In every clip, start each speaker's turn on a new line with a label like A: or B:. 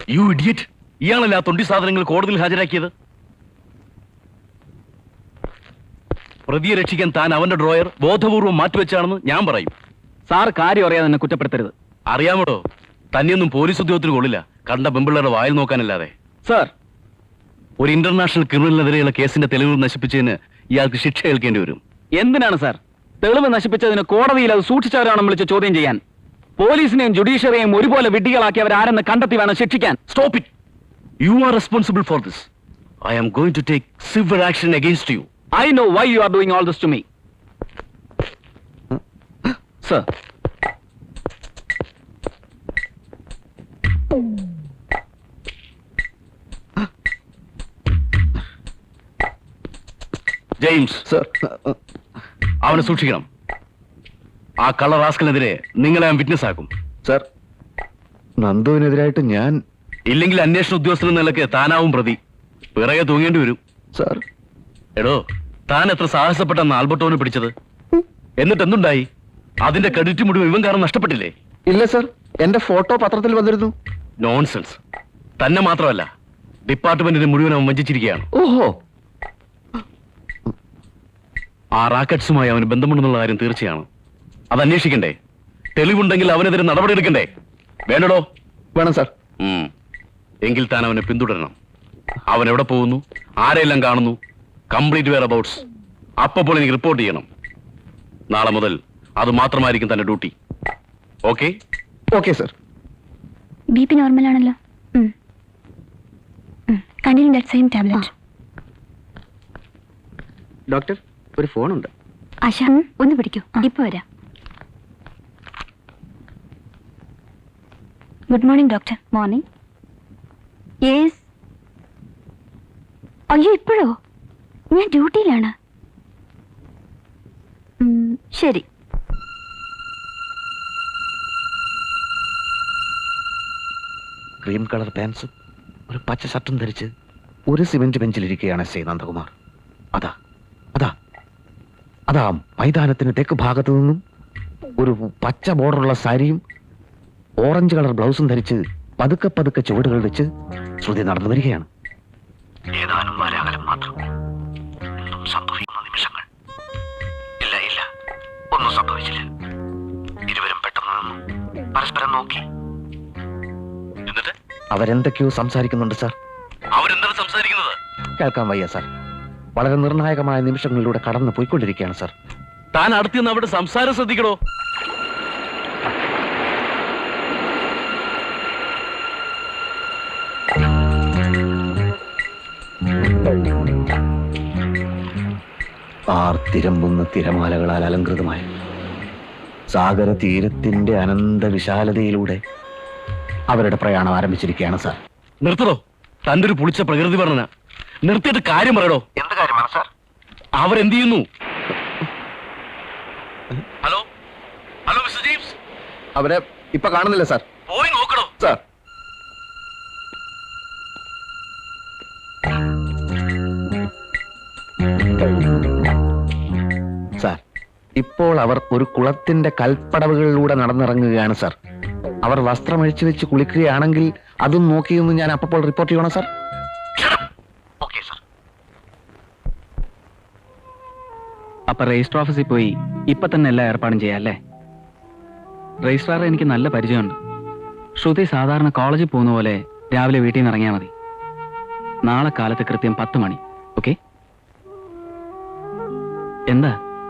A: You idiot! ഇയാളല്ല ആ തൊണ്ടി സാധനങ്ങൾ കോടതിയിൽ ഹാജരാക്കിയത്. പ്രതിയെ രക്ഷിക്കാൻ താൻ അവന്റെ ഡ്രോയർ ബോധപൂർവം മാറ്റിവെച്ചാണെന്ന് ഞാൻ പറയും.
B: സാർ കാര്യം അറിയാതെ എന്നെ കുറ്റപ്പെടുത്തരുത്.
A: അറിയാമോടോ, തന്നെയൊന്നും പോലീസ് ഉദ്യോഗത്തിന് കൊള്ളില്ല, കണ്ട പെമ്പിള്ളേരുടെ വായിൽ നോക്കാനല്ലാതെ.
B: സാർ,
A: ഒരു ഇന്റർനാഷണൽ ക്രിമിനലിനെതിരെയുള്ള കേസിന്റെ തെളിവ് നശിപ്പിച്ചതിന് ഇയാൾക്ക് ശിക്ഷ ഏൽക്കേണ്ടി വരും.
B: എന്തിനാണ് സാർ തെളിവ് നശിപ്പിച്ചതിന് കോടതിയിൽ അത് സൂക്ഷിച്ചവരാണെന്ന് വിളിച്ച് ചോദ്യം ചെയ്യാൻ? പോലീസിനെയും ജുഡീഷ്യറിയെയും ഒരുപോലെ വിഡ്ഢികളാക്കി അവരാരെന്ന് കണ്ടെത്തി വേണം ശിക്ഷിക്കാൻ.
A: Stop it! You are responsible for this. I am going to take severe action against you.
B: I know why you are doing all this to me. Sir.
A: James,
C: sir,
A: അവനെ സൂക്ഷിക്കണം. ആ കള്ള റാസ്കലിനെതിരെ നിങ്ങളെ ഞാൻ വിറ്റ്നസ് ആക്കും.
C: സർ, നന്ദുവിനെതിരായിട്ട് ഞാൻ...
A: ഇല്ലെങ്കിൽ അന്വേഷണ ഉദ്യോഗസ്ഥൻ എന്ന നിലയ്ക്ക് താനാവും പ്രതി. പിറകെ തൂങ്ങേണ്ടി വരും.
C: സർ,
A: എടോ, താൻ എത്ര സാഹസപ്പെട്ടെന്ന് ആൽബർട്ടോനെ പിടിച്ചത്? എന്നിട്ട് എന്തുണ്ടായി? അതിന്റെ ക്രെഡിറ്റ് മുഴുവൻ ഇവൻ കാരണം നഷ്ടപ്പെട്ടില്ലേ?
C: ഇല്ല സർ, എന്റെ ഫോട്ടോ പത്രത്തിൽ വന്നിരുന്നു.
A: നോൺസെൻസ്! തന്നെ മാത്രമല്ല, ഡിപ്പാർട്ട്മെന്റിനെ മുഴുവൻ അവൻ വഞ്ചിച്ചിരിക്കുകയാണ്.
C: ഓഹോ!
A: ആ റാക്കറ്റ്സുമായി അവന് ബന്ധമുണ്ടെന്നുള്ള കാര്യം തീർച്ചയാണ്. അത് അന്വേഷിക്കണ്ടേ? തെളിവുണ്ടെങ്കിൽ അവനെതിരെ നടപടിയെടുക്കണ്ടേ? വേണ്ടടോ?
C: വേണം സർ.
A: എങ്കിൽ താൻ അവനെ പിന്തുടരണം. അവൻ എവിടെ പോകുന്നു, ആരെല്ലാം കാണുന്നു, കംപ്ലീറ്റ് വെയർ അബൌട്ട്സ് അപ്പോൾ എനിക്ക് റിപ്പോർട്ട് ചെയ്യണം. നാളെ മുതൽ അത് മാത്രമായിരിക്കും തന്റെ duty. Okay?
C: Okay sir.
D: B P normal ആണല്ലോ. Continue that same tablet.
B: Doctor, ഒരു ഫോണുണ്ട്.
D: ആശ, ഒന്ന് പിടിക്കൂ, ഇപ്പൊ വരാം. Good morning doctor. Morning. Yes. അയ്യോ, ഇപ്പോഴോ? ഞാൻ ഡ്യൂട്ടിയിലാണ്. ശരി.
C: ക്രീം കളർ പാൻസും ഒരു പച്ച ഷർട്ടും ധരിച്ച് ഒരു സിമന്റ് ബെഞ്ചിലിരിക്കുകയാണ് ശ്രീ നന്ദകുമാർ. അതാ അതാ അതാ മൈതാനത്തിന് തെക്ക് ഭാഗത്തു നിന്നും ഒരു പച്ച ബോർഡറുള്ള സാരിയും ഓറഞ്ച് കളർ ബ്ലൗസും ധരിച്ച് പതുക്കെ പതുക്കെ ചുവടുകൾ വെച്ച് ശ്രുതി നടന്നു വരികയാണ്. ഏതാനും വാരാകലം മാത്രം. സംഭവിക്കുന്ന നിമിഷങ്ങൾ. ഇല്ല ഇല്ല, ഒന്നും സംഭവിച്ചില്ല. ഇരുവരും പെട്ടെന്ന് നിന്നു, പരസ്പരം നോക്കി.
A: എന്നിട്ട്
C: അവരെന്തൊക്കെയോ സംസാരിക്കുന്നുണ്ട് സാർ.
A: അവരെന്താണ് സംസാരിക്കുന്നത്?
C: കേൾക്കാൻ വയ്യ സാർ. വളരെ നിർണായകമായ നിമിഷങ്ങളിലൂടെ കടന്നു പോയിക്കൊണ്ടിരിക്കുകയാണ് സാർ.
A: താൻ അടുത്തുനിന്ന് അവിടെ സംസാരം ശ്രദ്ധിക്കണോ?
C: ആർത്തിരമ്പുന്ന തിരമാലകളാൽ അലങ്കൃതമായ സാഗര തീരത്തിന്റെ അനന്ത വിശാലതയിലൂടെ അവരുടെ പ്രയാണം ആരംഭിച്ചിരിക്കുകയാണ് സാർ.
A: നിർത്തടോ, തന്റെ ഒരു പുളിച്ച പ്രകൃതി വർണ്ണന. നിർത്തിയിട്ട് കാര്യം പറയടോ.
C: എന്ത് കാര്യമാണ് സാർ?
A: അവരെന്ത് ചെയ്യുന്നു? ഹലോ ഹലോ മിസ്റ്റർ ജെയിംസ്,
C: അവരെ ഇപ്പൊ കാണുന്നില്ല സാർ.
A: പോയി നോക്കണോ?
C: സാർ, സാർ, ഇപ്പോൾ അവർ ഒരു കുളത്തിന്റെ കൽപ്പടവുകളിലൂടെ നടന്നിറങ്ങുകയാണ് സാർ. അവർ വസ്ത്രമഴിച്ചു വെച്ച് കുളിക്കുകയാണെങ്കിൽ അതും നോക്കിയൊന്ന് ഞാൻ അപ്പോൾ റിപ്പോർട്ട് ചെയ്യണം സാർ. Okay sir.
B: അപ്പൊ രജിസ്റ്റർ ഓഫീസിൽ പോയി ഇപ്പൊ തന്നെ എല്ലാ ഏർപ്പാടും ചെയ്യാം അല്ലേ? രജിസ്ട്രാറെ എനിക്ക് നല്ല പരിചയമുണ്ട്. ശ്രുതി സാധാരണ കോളേജിൽ പോകുന്ന പോലെ രാവിലെ വീട്ടിൽ നിന്ന് ഇറങ്ങിയാൽ മതി. നാളെ കാലത്ത് കൃത്യം 10 മണി. ഓക്കെ? എന്താ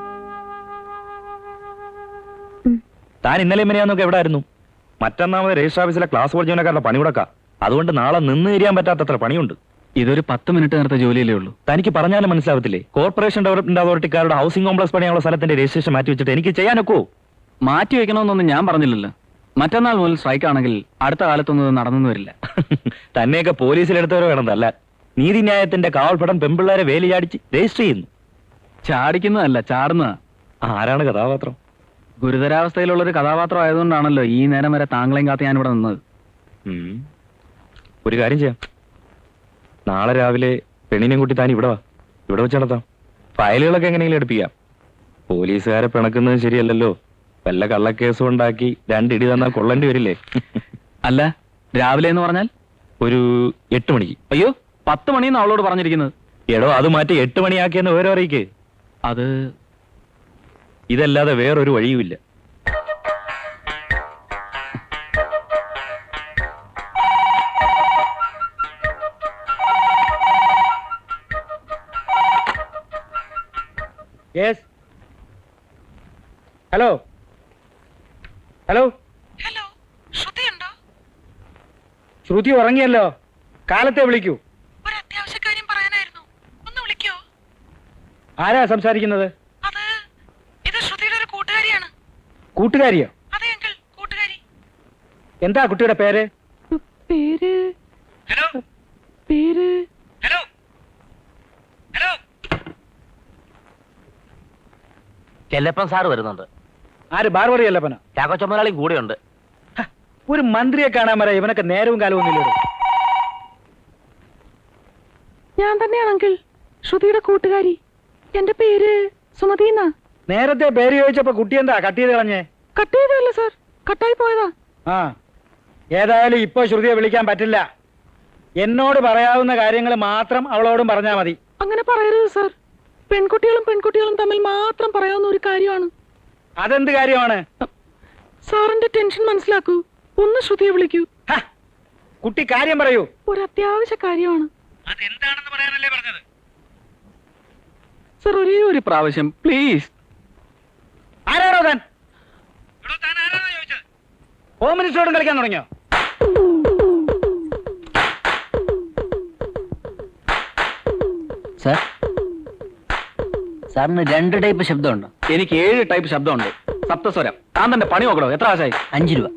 E: താൻ ഇന്നലെ മിനിയാന്നൊക്കെ എവിടെ ആയിരുന്നു? മറ്റന്നാമത് രജിസ്റ്റർ ഓഫീസിലെ ക്ലാസ് പോൾ ജീവനക്കാരുടെ പണി മുടക്കാം. അതുകൊണ്ട് നാളെ നിന്ന് തിരിയാൻ പറ്റാത്തത്ര പണിയുണ്ട്.
B: ഇതൊരു 10 മിനിറ്റ് നേരത്തെ ജോലിയല്ലേ ഉള്ളൂ.
E: തനിക്ക് പറഞ്ഞാലും മനസ്സിലാവത്തില്ലേ? കോർപ്പറേഷൻ ഡെവലപ്മെന്റ് അതോറിറ്റിക്കാരുടെ ഹൗസിംഗ് കോംപ്ലക്സ് പണിയുള്ള സ്ഥലത്തിന്റെ രജിസ്ട്രേഷൻ മാറ്റി വെച്ചിട്ട് എനിക്ക് ചെയ്യാനൊക്കോ?
B: മാറ്റി വെക്കണമെന്നൊന്നും ഞാൻ പറഞ്ഞില്ലല്ലോ. മറ്റന്നാൾ മുതൽ സ്ട്രൈക്ക് ആണെങ്കിൽ അടുത്ത കാലത്തൊന്നും നടന്നു വരില്ല.
E: തന്നെയൊക്കെ പോലീസിലെടുത്തവരോ വേണമെന്നല്ല. നീതിന്യായത്തിന്റെ കാവൽപ്പടം പെമ്പിള്ളേരെ വേലി ചാടിച്ച് രജിസ്റ്റർ ചെയ്യുന്നു.
B: ചാടിക്കുന്നതല്ല, ചാടുന്നതാ.
E: ആരാണ് കഥാപാത്രം?
B: ഗുരുതരാവസ്ഥയിലുള്ള ഒരു കഥാപാത്രം ആയതുകൊണ്ടാണല്ലോ ഈ നേരം വരെ താങ്കളെയും കാത്ത് ഞാനിവിടെ നിന്നത്.
E: ഒരു കാര്യം ചെയ്യാം, നാളെ രാവിലെ പെണ്ണിനെയും കൂട്ടി താൻ ഇവിടെ വാ. ഇവിടെ വെച്ച് നടത്താം. ഫയലുകളൊക്കെ എങ്ങനെയെങ്കിലും എടുപ്പിക്കാം. പോലീസുകാരെ പിണക്കുന്നത് ശരിയല്ലല്ലോ. വല്ല കള്ളക്കേസും ഉണ്ടാക്കി 2 ഇടി തന്നാൽ കൊള്ളേണ്ടി വരില്ലേ?
B: അല്ല, രാവിലെ എന്ന് പറഞ്ഞാൽ
E: ഒരു 8 മണിക്ക്.
B: അയ്യോ 10 മണിന്ന് അവളോട് പറഞ്ഞിരിക്കുന്നത്.
E: എടോ അത് മാറ്റി 8 മണിയാക്കിയെന്ന് വേറെ അറിയിക്ക്.
B: അത്
E: ഇതല്ലാതെ വേറൊരു വഴിയുമില്ല.
F: ഹലോ ഹലോ
G: ഹലോ ശ്രുതിയുണ്ടോ?
F: ശ്രുതി ഉറങ്ങിയല്ലോ, കാലത്തെ വിളിക്കൂ.
G: ഒരു അത്യാവശ്യ കാര്യം പറയാനായിരുന്നു, ഒന്ന് വിളിക്കോ?
F: ആരാ സംസാരിക്കുന്നത്?
G: ഇത് ശ്രുതിയുടെ ഒരു കൂട്ടുകാരിയാണ്.
F: കൂട്ടുകാരിയോ?
G: അതെ അങ്കിൾ, കൂട്ടുകാരി.
F: എന്താ കുട്ടിയുടെ പേര്?
G: പേര്
F: ഹലോ
G: പേര്
F: ഹലോ ഹലോ
C: ചെല്ലപ്പൻ സാറ് വരുന്നുണ്ട്.
F: ആര്? ബാർബറി അല്ലപ്പനോ?
C: ചാക്കോ ചുമലാളിയും കൂടെയുണ്ട്.
F: ഒരു മന്ത്രിയെ കാണാൻ വരാ, ഇവനൊക്കെ നേരവും കാലവും ഒന്നുമില്ലല്ലോ.
G: ഞാൻ തന്നെയാണ് അങ്കിൾ, ശ്രുതിയുടെ കൂട്ടുകാരി. എന്റെ പേര് സുമതി എന്നാ.
F: നേരത്തെ പേര് ചോദിച്ചപ്പോ കുട്ടി എന്താ കട്ട് ചെയ്ത് കളഞ്ഞേ?
G: കട്ട് ചെയ്തല്ല സാർ, കട്ടായി പോയതാ.
F: ആ, ഏതായാലും ഇപ്പൊ ശ്രുതിയെ വിളിക്കാൻ പറ്റില്ല. എന്നോട് പറയാവുന്ന കാര്യങ്ങൾ മാത്രം അവളോടും പറഞ്ഞാ മതി.
G: അങ്ങനെ പറയരുത് സാർ, പെൺകുട്ടികളും തമ്മിൽ മാത്രം പറയാവുന്ന ഒരു കാര്യമാണ്.
F: അതെന്ത് കാര്യമാണ്?
G: സാറിന്റെ ടെൻഷൻ മനസ്സിലാക്കൂ, ഒന്ന് ശ്രുതിയെ വിളിക്കൂ.
F: ഹ, കുട്ടി കാര്യം പറയൂ.
G: ഒരു അത്യാവശ്യ കാര്യമാണ്
F: അതെന്താണെന്ന് പറയാനല്ലേ പറഞ്ഞത്?
B: സർ ഒരേ ഒരു പ്രാവശ്യം പ്ലീസ്.
F: ആരാണോ താൻ? ഹോം മിനിസ്റ്ററോടും കളിക്കാൻ തുടങ്ങിയോ?
B: സാർ സാറിന് 2 ടൈപ്പ് ശബ്ദമുണ്ടോ? എനിക്ക് 7 ടൈപ്പ് ശബ്ദമുണ്ട്. സപ്തസ്വരം. താൻ തന്നെ പണി നോക്കണോ? എത്ര ആശായി? 5 രൂപ.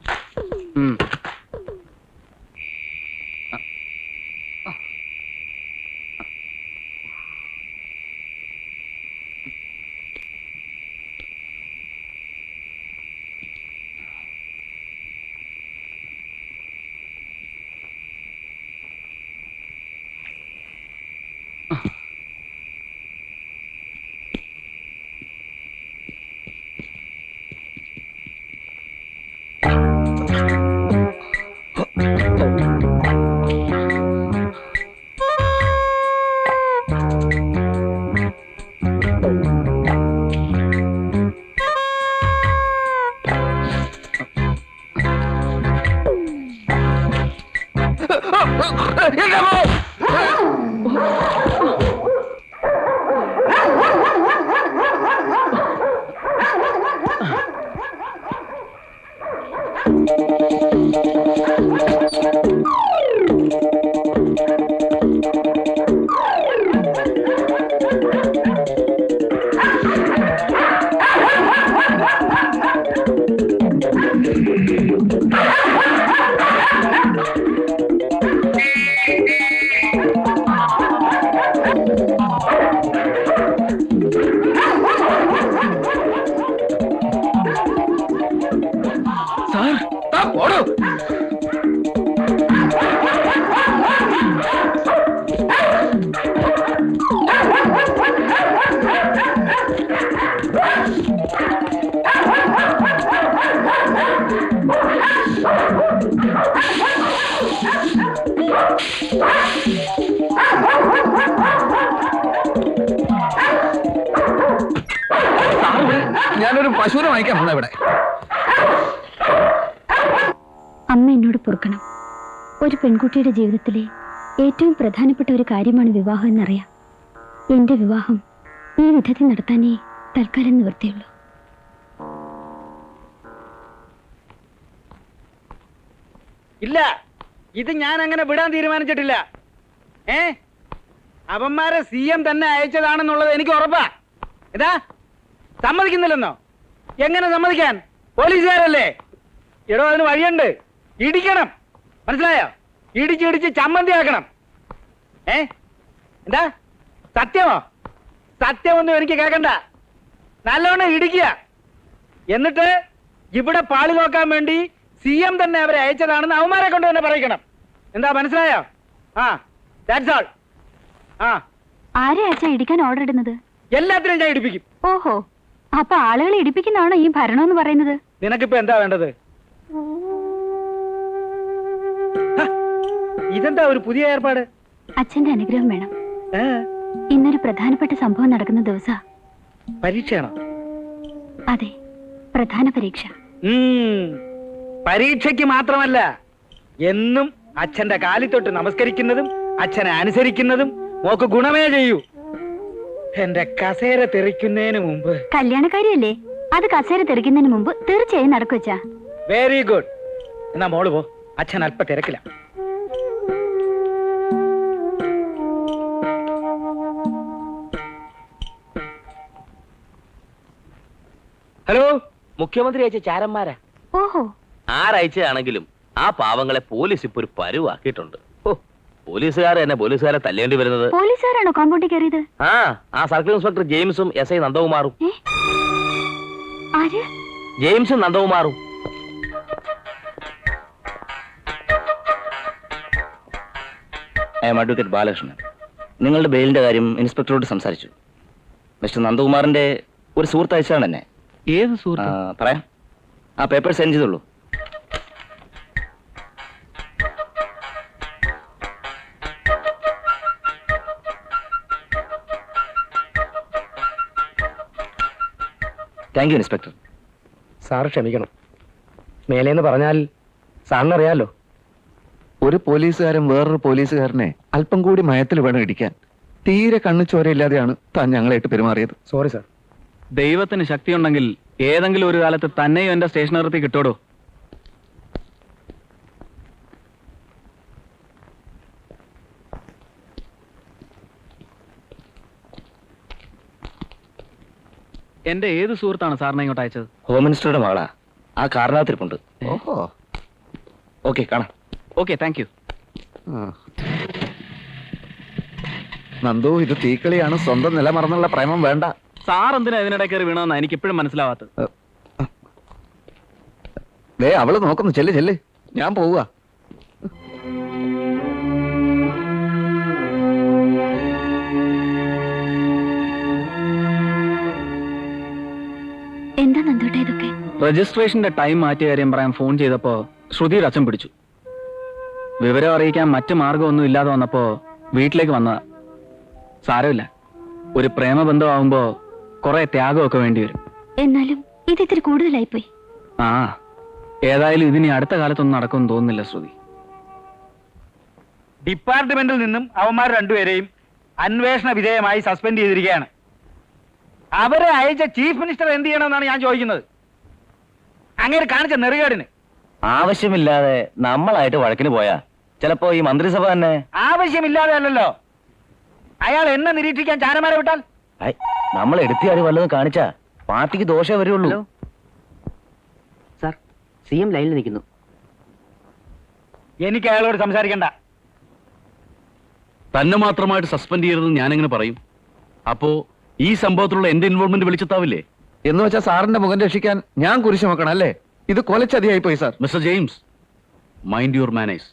C: ഞാനൊരു പശുവിനെ വാങ്ങിക്കാൻ വന്ന ഇവിടെ.
D: അമ്മ എന്നോട് പൊറുക്കണം. ഒരു പെൺകുട്ടിയുടെ ജീവിതത്തിലെ ഏറ്റവും പ്രധാനപ്പെട്ട ഒരു കാര്യമാണ് വിവാഹം എന്നറിയാം. എന്റെ വിവാഹം ഈ വിധത്തിൽ നടത്താനേ തൽക്കാലം നിവൃത്തിയുള്ളൂ.
F: ഇല്ല, ഇത് ഞാൻ അങ്ങനെ വിടാൻ തീരുമാനിച്ചിട്ടില്ല. അവന്മാരെ CM തന്നെ അയച്ചതാണെന്നുള്ളത് എനിക്ക് ഉറപ്പാ. ഇതാ സമ്മതിക്കുന്നില്ലെന്നോ? എങ്ങനെ സമ്മതിക്കാൻ? പോലീസുകാരല്ലേ? എടോ അതിന് വഴിയുണ്ട്. ഇടിക്കണം, മനസ്സിലായോ? ഇടിച്ച് ചമ്മന്തിയാക്കണം. എന്താ സത്യമോ? സത്യമൊന്നും എനിക്ക് കേൾക്കണ്ട. നല്ലോണം ഇടിക്കുക. എന്നിട്ട് ഇവിടെ പാളി നോക്കാൻ വേണ്ടി CM തന്നെ അവരെ അയച്ചതാണെന്ന് അവന്മാരെ കൊണ്ട് തന്നെ പറയിക്കണം. എന്താ മനസ്സിലായോ? ആ, ദാറ്റ്സ് ഓൾ. ആ,
D: ആരെ അച്ഛാ ഇടിക്കാൻ ഓർഡർ ഇടുന്നത്?
F: എല്ലാത്തിനും ഞാൻ ഇടിപ്പിക്കും.
D: ഓഹോ, അപ്പൊ ആളുകളെ ഇടിപ്പിക്കുന്നതാണോ ഈ ഭരണം എന്ന് പറയുന്നത്?
F: നിനക്കിപ്പോ എന്താ വേണ്ടത്? ഇതെന്താ ഒരു പുതിയ ഏർപ്പാട്?
D: അച്ഛന്റെ അനുഗ്രഹം വേണം.
F: ഏ?
D: ഇന്നൊരു പ്രധാനപ്പെട്ട സംഭവം നടക്കുന്ന ദിവസാ.
F: പരീക്ഷയാണോ?
D: അതെ, പ്രധാന പരീക്ഷ.
F: പരീക്ഷയ്ക്ക് മാത്രമല്ല, എന്നും അച്ഛന്റെ കാലിൽ തൊട്ട് നമസ്കരിക്കുന്നതും അച്ഛനെ അനുസരിക്കുന്നതും മോക്ക് ഗുണമേ ചെയ്യൂ. എന്റെ കസേര തെറിക്കുന്നതിന് മുമ്പ്.
D: കല്യാണക്കാരിയല്ലേ, അത് കസേര തെറിക്കുന്നതിന് മുമ്പ് തീർച്ചയായും നടക്കുവച്ചാ.
F: Very good. എന്നാ മോള് പോ, അച്ഛൻ അല്പ തിരക്കില്ല.
H: ഹലോ, മുഖ്യമന്ത്രി അയച്ച ചാരന്മാരാ.
D: ഓഹോ,
H: ആരയച്ചതാണെങ്കിലും ആ പാവങ്ങളെ പോലീസ് ഇപ്പൊ ഒരു പരുവാക്കിയിട്ടുണ്ട്. ഓ, പോലീസുകാർ തന്നെ പോലീസുകാരെ തല്ലേണ്ടി വരുന്നത്.
D: പോലീസുകാരാണോ കോമ്പൗണ്ടിൽ കയറിയത്?
H: ആ സർക്കിൾ ഇൻസ്പെക്ടർ ജെയിംസും എസ് ഐ നന്ദകുമാറും.
D: ആര്?
H: ജെയിംസും നന്ദകുമാറും.
E: I am advocate Balakrishnan. നിങ്ങളുടെ ബെയിലിന്റെ കാര്യം ഇൻസ്പെക്ടറോട് സംസാരിച്ചു. മിസ്റ്റർ നന്ദകുമാറിന്റെ ഒരു സുഹൃത്ത് അയച്ചാണ് എന്നെ.
B: ഏത് സുഹൃത്ത്?
E: പറയാം, ആ പേപ്പർ സെൻഡ് ചെയ്തോളൂ. Thank you inspector.
F: സാർ ക്ഷമിക്കണം. മേലേന്ന് പറഞ്ഞാൽ സാറിനറിയാലോ.
C: ഒരു പോലീസുകാരൻ വേറൊരു പോലീസുകാരനെ അല്പം കൂടി മയത്തിൽ വേണം ഇടിക്കാൻ. തീരെ കണ്ണു ചോരയില്ലാതെയാണ് താൻ ഞങ്ങളായിട്ട് പെരുമാറിയത്.
F: Sorry sir.
B: ദൈവത്തിന് ശക്തിയുണ്ടെങ്കിൽ ഏതെങ്കിലും ഒരു കാലത്ത് തന്നെയും എന്റെ സ്റ്റേഷനകത്ത് കിട്ടോടോ. എന്റെ ഏത് സുഹൃത്താണ് സാറിനെ ഇങ്ങോട്ട് അയച്ചത്?
E: ഹോം മിനിസ്റ്ററുടെ മകളാ, ആ കാരണത്തിരിപ്പുണ്ട്.
C: ഓഹോ,
E: ഓക്കെ, കാണാം.
B: Okay, thank you.
C: നന്ദു, ഇത് തീക്കളിയാണ്. സ്വന്തം നില മറന്നുള്ള പ്രേമം വേണ്ട.
B: സാർ എന്തിനാ ഇതിനിടെ കയറി വീണമെന്നാ എനിക്ക് ഇപ്പോഴും മനസ്സിലാവാത്തത്.
C: ദേ അവള് നോക്കുന്നു. ചെല്ല്, ഞാൻ പോവുക.
D: എന്താ നന്ദോട്ടെ ഇതൊക്കെ?
B: രജിസ്ട്രേഷന്റെ ടൈം മാറ്റിയ കാര്യം പറയാൻ ഫോൺ ചെയ്തപ്പോ ശ്രുതിയുടെ അച്ഛൻ പിടിച്ചു. വിവരം അറിയിക്കാൻ മറ്റു മാർഗമൊന്നും ഇല്ലാതെ വന്നപ്പോ വീട്ടിലേക്ക് വന്നതാ. സാരമില്ല, ഒരു പ്രേമബന്ധമാവുമ്പോ കുറെ ത്യാഗമൊക്കെ വേണ്ടി വരും.
D: എന്നാലും ഇത് ഇത്തിരി കൂടുതലായിപ്പോയി.
B: ആ, ഏതായാലും ഇതിനി അടുത്ത കാലത്തൊന്നും നടക്കുമെന്ന് തോന്നുന്നില്ല ശ്രുതി.
F: ഡിപ്പാർട്ട്മെന്റിൽ നിന്നും അവന്മാർ രണ്ടുപേരെയും അന്വേഷണ വിധേയമായി സസ്പെൻഡ് ചെയ്തിരിക്കുകയാണ്. അവരെ അയച്ച ചീഫ് മിനിസ്റ്റർ എന്ത് ചെയ്യണമെന്നാണ് ഞാൻ ചോദിക്കുന്നത്. അങ്ങനെ കാണിച്ച നെറുകേടിന്.
E: ആവശ്യമില്ലാതെ നമ്മളായിട്ട് വഴക്കിന് പോയാ ചിലപ്പോ ഈ മന്ത്രിസഭ തന്നെ.
F: ആവശ്യമില്ലാതെ അല്ലല്ലോ, അയാൾ എന്നെ നിരീക്ഷിക്കാൻ ചാരന്മാരെ വിട്ടാൽ.
E: നമ്മൾ എടുത്തിയാടി വല്ലതും കാണിച്ചാ പാർട്ടിക്ക് ദോഷേ വരുള്ളൂ.
H: സാർ, CM ലൈനിൽ നിൽക്കുന്നു.
F: എനിക്ക് അയാളോട് സംസാരിക്കണ്ട.
A: തന്നെ മാത്രമായിട്ട് സസ്പെൻഡ് ചെയ്യരുതെന്ന് ഞാനെങ്ങനെ പറയും? അപ്പോ ഈ സംഭവത്തിലുള്ള എന്റെ ഇൻവോൾവ്മെന്റ് വിളിച്ചെത്താവില്ലേ?
C: എന്ന് വെച്ചാൽ സാറിന്റെ മുഖം രക്ഷിക്കാൻ ഞാൻ കുരിശു നോക്കണം അല്ലേ? ഇത് കൊലച്ചതിയായി പോയി sir.
A: Mister James, mind your manners.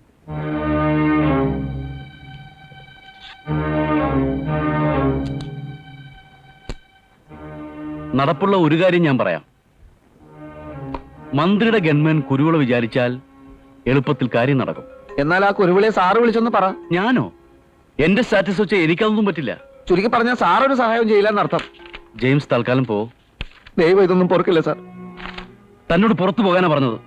A: നടപ്പുള്ള ഒരു കാര്യം ഞാൻ പറയാം. മന്ത്രിയുടെ ഗൺമാൻ കുരുവിള വിചാരിച്ചാൽ എളുപ്പത്തിൽ കാര്യം നടക്കും.
C: എന്നാൽ ആ കുരുവിളെ സാറ് വിളിച്ചൊന്ന് പറ.
A: ഞാനോ? എന്റെ സ്റ്റാറ്റസ് വെച്ച് എനിക്കതൊന്നും പറ്റില്ല.
C: ചുരുക്കി പറഞ്ഞാൽ സാറൊരു സഹായം ചെയ്യില്ല എന്നർത്ഥം.
A: ജെയിംസ്, തൽക്കാലം പോ.
C: ദൈവം ഇതൊന്നും പൊറുക്കില്ല സാർ.
A: തന്നോട് പുറത്തു പോകാനാ പറഞ്ഞത്.